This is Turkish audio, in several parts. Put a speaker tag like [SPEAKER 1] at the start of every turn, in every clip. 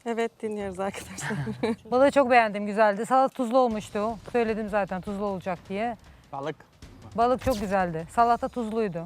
[SPEAKER 1] Evet, dinliyoruz arkadaşlar.
[SPEAKER 2] Balığı çok beğendim, güzeldi. Salata tuzlu olmuştu. Söyledim zaten tuzlu olacak diye.
[SPEAKER 3] Balık.
[SPEAKER 2] Balık çok güzeldi. Salata tuzluydu.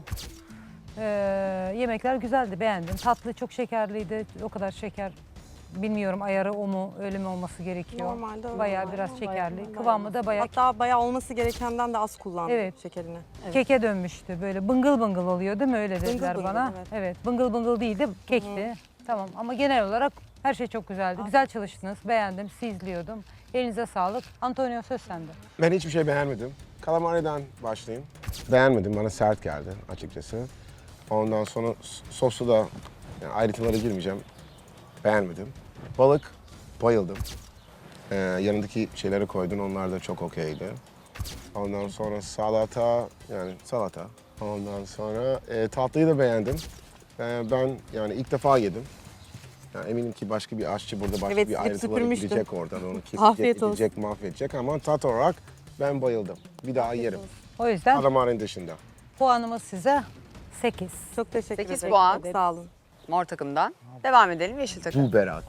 [SPEAKER 2] Yemekler güzeldi, beğendim. Tatlı çok şekerliydi. O kadar şeker bilmiyorum ayarı o mu, öyle mi olması gerekiyor.
[SPEAKER 1] Normalde öyle
[SPEAKER 2] Bayağı
[SPEAKER 1] oluyor.
[SPEAKER 2] biraz şekerli.
[SPEAKER 1] Bayağı.
[SPEAKER 2] Kıvamı da bayağı
[SPEAKER 1] Hatta bayağı olması gerekenden de az kullandım
[SPEAKER 2] Evet.
[SPEAKER 1] şekerini.
[SPEAKER 2] keke dönmüştü. Böyle bıngıl bıngıl oluyor değil mi? Öyle dediler
[SPEAKER 1] bıngıl,
[SPEAKER 2] bana.
[SPEAKER 1] evet.
[SPEAKER 2] Evet, bıngıl bıngıl değildi, kekti. Tamam ama genel olarak her şey çok güzeldi. Güzel çalıştınız, beğendim, sizi izliyordum. Elinize sağlık. Antonio söz sende.
[SPEAKER 4] Ben hiçbir şey beğenmedim. Kalamari'den başlayayım. Beğenmedim, bana sert geldi açıkçası. Ondan sonra sosu da yani ayrıntılara girmeyeceğim. Beğenmedim. Balık, bayıldım. Yanındaki şeyleri koydun, onlar da çok okeydi. Ondan sonra salata, yani salata. Ondan sonra tatlıyı da beğendim. Ben yani ilk defa yedim. Yani eminim ki başka bir aşçı burada başka
[SPEAKER 1] Evet,
[SPEAKER 4] bir
[SPEAKER 1] silip
[SPEAKER 4] ayrıntılara
[SPEAKER 1] süpürmüştüm.
[SPEAKER 4] girecek oradan. Onu kesecek,
[SPEAKER 1] Afiyet olsun.
[SPEAKER 4] gidecek, mahvedecek ama tat olarak ben bayıldım. Bir daha yerim.
[SPEAKER 2] O yüzden
[SPEAKER 4] Kalamari'nin dışında.
[SPEAKER 2] puanımız size 8.
[SPEAKER 1] Çok teşekkür
[SPEAKER 5] 8
[SPEAKER 1] ederim.
[SPEAKER 5] puan.
[SPEAKER 1] Çok sağ olun.
[SPEAKER 5] Mor takımdan. Devam edelim yeşil takım.
[SPEAKER 4] Bu Berat.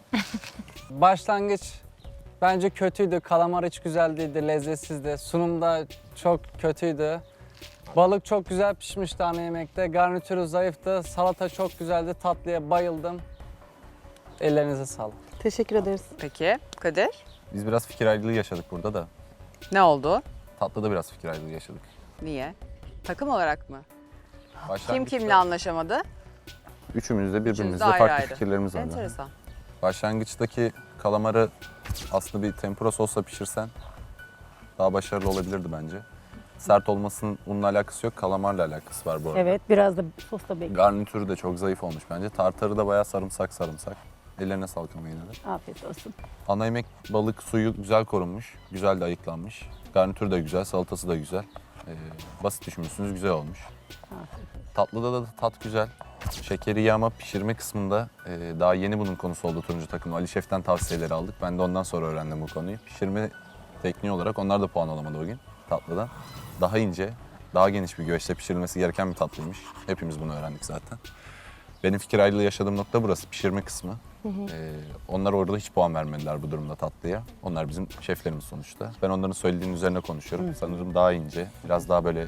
[SPEAKER 3] Başlangıç bence kötüydü. Kalamar hiç güzel değildi, lezzetsizdi. Sunum da çok kötüydü. Balık çok güzel pişmişti ana yemekte. Garnitürü zayıftı. Salata çok güzeldi. Tatlıya bayıldım. Ellerinize sağlık.
[SPEAKER 1] Teşekkür ederiz.
[SPEAKER 5] Peki Kadir
[SPEAKER 6] Biz biraz fikir ayrılığı yaşadık burada da.
[SPEAKER 5] ne oldu?
[SPEAKER 6] Tatlıda biraz fikir ayrılığı yaşadık.
[SPEAKER 5] Niye? Takım olarak mı? Kim
[SPEAKER 6] Başlangıçta
[SPEAKER 5] kimle anlaşamadı?
[SPEAKER 6] Üçümüz de
[SPEAKER 5] Üçünüz
[SPEAKER 6] birbirimizle
[SPEAKER 5] de ayrı
[SPEAKER 6] farklı
[SPEAKER 5] ayrı.
[SPEAKER 6] fikirlerimiz vardı.
[SPEAKER 5] Enteresan.
[SPEAKER 6] Başlangıçtaki kalamarı aslında bir tempura sosla pişirsen daha başarılı olabilirdi bence. Sert olmasının bununla alakası yok, kalamarla alakası var bu arada.
[SPEAKER 7] Evet, biraz da sosla bekliyorum.
[SPEAKER 6] Garnitürü de çok zayıf olmuş bence. Tartarı da bayağı sarımsak. Ellerine sağlık ama yine de.
[SPEAKER 7] Afiyet olsun.
[SPEAKER 6] Ana yemek balık suyu güzel korunmuş, güzel de ayıklanmış. Garnitür de güzel, salatası da güzel. Basit düşünmüşsünüz, güzel olmuş. Tatlıda da tat güzel. Şekeri yağma pişirme kısmında daha yeni bunun konusu oldu turuncu takım. Ali Şef'ten tavsiyeleri aldık. Ben de ondan sonra öğrendim bu konuyu. Pişirme tekniği olarak onlar da puan alamadı bugün tatlıdan. Daha ince, daha geniş bir güveçte pişirilmesi gereken bir tatlıymış. Hepimiz bunu öğrendik zaten. Benim fikir ayrılığı yaşadığım nokta burası, pişirme kısmı. Onlar orada hiç puan vermediler bu durumda tatlıya. Onlar bizim şeflerimiz sonuçta. Ben onların söylediğinin üzerine konuşuyorum. Sanırım daha ince, biraz daha böyle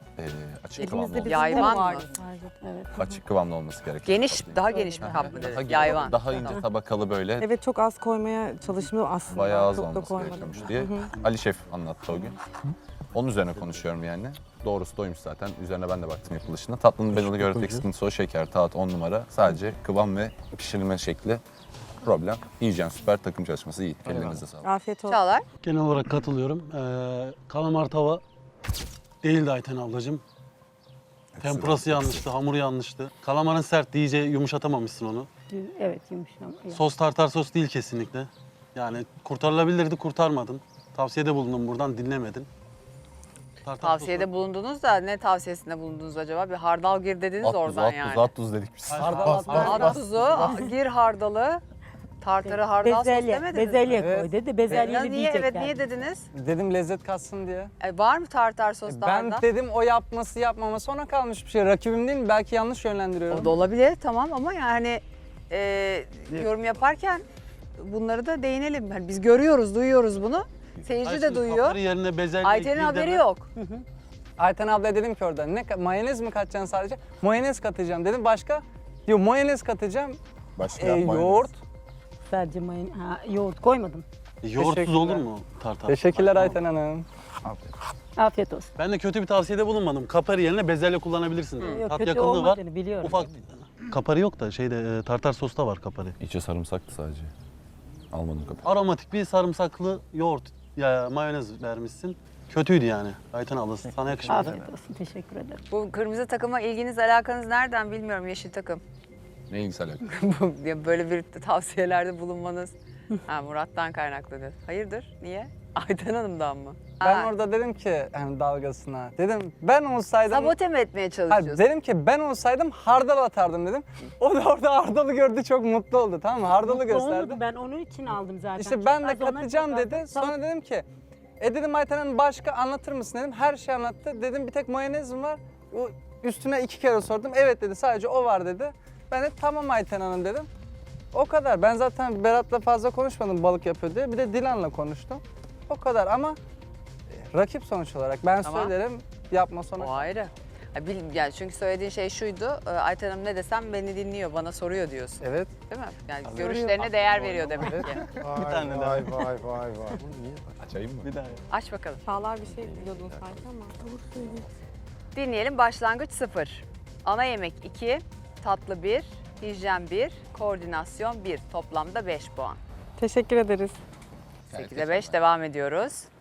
[SPEAKER 6] açık kıvamlı,
[SPEAKER 1] Elimizde bir
[SPEAKER 5] Yayvan mı?
[SPEAKER 1] vardı.
[SPEAKER 7] Evet.
[SPEAKER 6] açık kıvamlı olması gerekiyor.
[SPEAKER 5] Geniş, daha geniş bir kap mı
[SPEAKER 6] Daha,
[SPEAKER 5] dedi? Yayvan.
[SPEAKER 6] daha ince tabakalı böyle
[SPEAKER 1] Evet, çok az koymaya çalıştım aslında.
[SPEAKER 6] bayağı az
[SPEAKER 1] çok da
[SPEAKER 6] olması
[SPEAKER 1] koymadım.
[SPEAKER 6] gerekiyormuş diye Ali Şef anlattı o gün. Onun üzerine konuşuyorum yani. Doğrusu doymuş zaten. Üzerine ben de baktım yapılışına. Tatlının ben onu gördüğüm tek sıkıntısı o şeker, tat 10 numara. Sadece kıvam ve pişirilme şekli problem. Yiyeceğim süper, takım çalışması iyi. Ellerinize sağlık.
[SPEAKER 1] Afiyet olsun.
[SPEAKER 5] Çağlar.
[SPEAKER 8] Genel olarak katılıyorum. Kalamar tava değildi Ayten ablacığım. Tempurası yanlıştı, hamuru yanlıştı. Kalamarın sert, iyice yumuşatamamışsın onu.
[SPEAKER 7] Evet, yumuşam.
[SPEAKER 8] Sos tartar sos değil kesinlikle. Yani kurtarılabilirdi, kurtarmadın. Tavsiyede bulundum buradan, dinlemedin. Tartar
[SPEAKER 5] Tavsiyede bulundunuz da ne tavsiyesinde bulundunuz acaba? Bir hardal gir dediniz oradan yani.
[SPEAKER 6] At tuz dedik biz.
[SPEAKER 5] At tuzu, gir hardalı, tartarı hardal sos
[SPEAKER 7] Bezelye,
[SPEAKER 5] demediniz mi?
[SPEAKER 7] bezelye
[SPEAKER 3] Evet.
[SPEAKER 7] koy dedi.
[SPEAKER 5] Ya
[SPEAKER 7] Bezelyeli
[SPEAKER 5] niye, evet
[SPEAKER 7] diyecekler.
[SPEAKER 5] niye dediniz?
[SPEAKER 3] Dedim lezzet katsın diye.
[SPEAKER 5] Var mı tartar sos da
[SPEAKER 3] Ben
[SPEAKER 5] hardal?
[SPEAKER 3] dedim o yapması yapmaması sonra kalmış bir şey. Rakibim değil mi? Belki yanlış yönlendiriyorum.
[SPEAKER 5] O da olabilir tamam ama yani yorum yaparken bunları da değinelim. Yani biz görüyoruz, duyuyoruz bunu. Seyirci de duyuyor.
[SPEAKER 8] Kapari yerine bezelye
[SPEAKER 5] Ayten'in
[SPEAKER 8] gir
[SPEAKER 5] haberi
[SPEAKER 8] deme.
[SPEAKER 5] yok.
[SPEAKER 3] Ayten abla dedim ki orada mayonez mi katacaksın sadece? Mayonez katacağım dedim. Başka? Diyor mayonez katacağım.
[SPEAKER 6] Başka yapmayın.
[SPEAKER 3] Yoğurt.
[SPEAKER 7] Sadece yoğurt koymadım.
[SPEAKER 8] Yoğurtsuz
[SPEAKER 3] Teşekkürler.
[SPEAKER 8] olur mu tartar?
[SPEAKER 3] Teşekkürler
[SPEAKER 8] Tamam.
[SPEAKER 3] Ayten Hanım.
[SPEAKER 7] Afiyet olsun.
[SPEAKER 8] Ben de kötü bir tavsiyede bulunmadım. Kapari yerine bezelye kullanabilirsin.
[SPEAKER 7] Yok,
[SPEAKER 8] Tat
[SPEAKER 7] kötü
[SPEAKER 8] yakınlığı var.
[SPEAKER 7] olmadığını biliyorum.
[SPEAKER 8] Ufak. Kapari yok da şeyde tartar sosta var kapari.
[SPEAKER 6] İçi sarımsaktı sadece. Almadım kapıyı.
[SPEAKER 8] Aromatik bir sarımsaklı yoğurt ya mayonez vermişsin. Kötüydü yani. Ayten ablası sana yakışmadı.
[SPEAKER 7] Afiyet olsun. Teşekkür ederim.
[SPEAKER 5] Bu kırmızı takıma ilginiz, alakanız nereden bilmiyorum yeşil takım.
[SPEAKER 6] Ne ilgisi alaka?
[SPEAKER 5] Böyle bir tavsiyelerde bulunmanız. Ha, Murat'tan kaynaklı diyor. Hayırdır? Niye? Ayten Hanım'dan mı?
[SPEAKER 3] Ben
[SPEAKER 5] Ha,
[SPEAKER 3] orada dedim ki hani dalgasına. Dedim ben olsaydım...
[SPEAKER 5] sabote mi etmeye
[SPEAKER 3] Hayır,
[SPEAKER 5] çalışıyorsun?
[SPEAKER 3] dedim ki ben olsaydım hardal atardım dedim. O da orada hardalı gördü çok mutlu oldu tamam mı? Hardalı gösterdi.
[SPEAKER 7] Ben onun için aldım zaten.
[SPEAKER 3] İşte
[SPEAKER 7] Çok
[SPEAKER 3] ben de
[SPEAKER 7] az, ona
[SPEAKER 3] katacağım
[SPEAKER 7] çok az.
[SPEAKER 3] dedi.
[SPEAKER 7] Tamam.
[SPEAKER 3] Sonra dedim ki dedim Ayten Hanım başka anlatır mısın dedim. Her şeyi anlattı. Dedim bir tek mayonez mi var? O üstüne 2 kere sordum. Evet dedi sadece o var dedi. Ben de tamam Ayten Hanım dedim. O kadar. Ben zaten Berat'la fazla konuşmadım balık yapıyor diye. Bir de Dilan'la konuştum. O kadar ama rakip sonuç olarak. Ben
[SPEAKER 5] Tamam.
[SPEAKER 3] söylerim yapma sonra.
[SPEAKER 5] O ayrı. Yani çünkü söylediğin şey şuydu. Ayten Hanım ne desem beni dinliyor, bana soruyor diyorsun.
[SPEAKER 3] Evet.
[SPEAKER 5] Değil mi? Yani
[SPEAKER 3] Tabii.
[SPEAKER 5] görüşlerine değer veriyor demek ki.
[SPEAKER 4] Vay vay vay vay.
[SPEAKER 6] Açayım mı?
[SPEAKER 8] Bir daha.
[SPEAKER 5] Aç bakalım.
[SPEAKER 1] Çağlar bir şey diyordun sanki ama.
[SPEAKER 5] Dinleyelim. Başlangıç 0. Ana yemek 2, tatlı 1, hijyen 1, koordinasyon 1. Toplamda 5 puan.
[SPEAKER 1] Teşekkür ederiz.
[SPEAKER 5] 8'e 5 devam ediyoruz.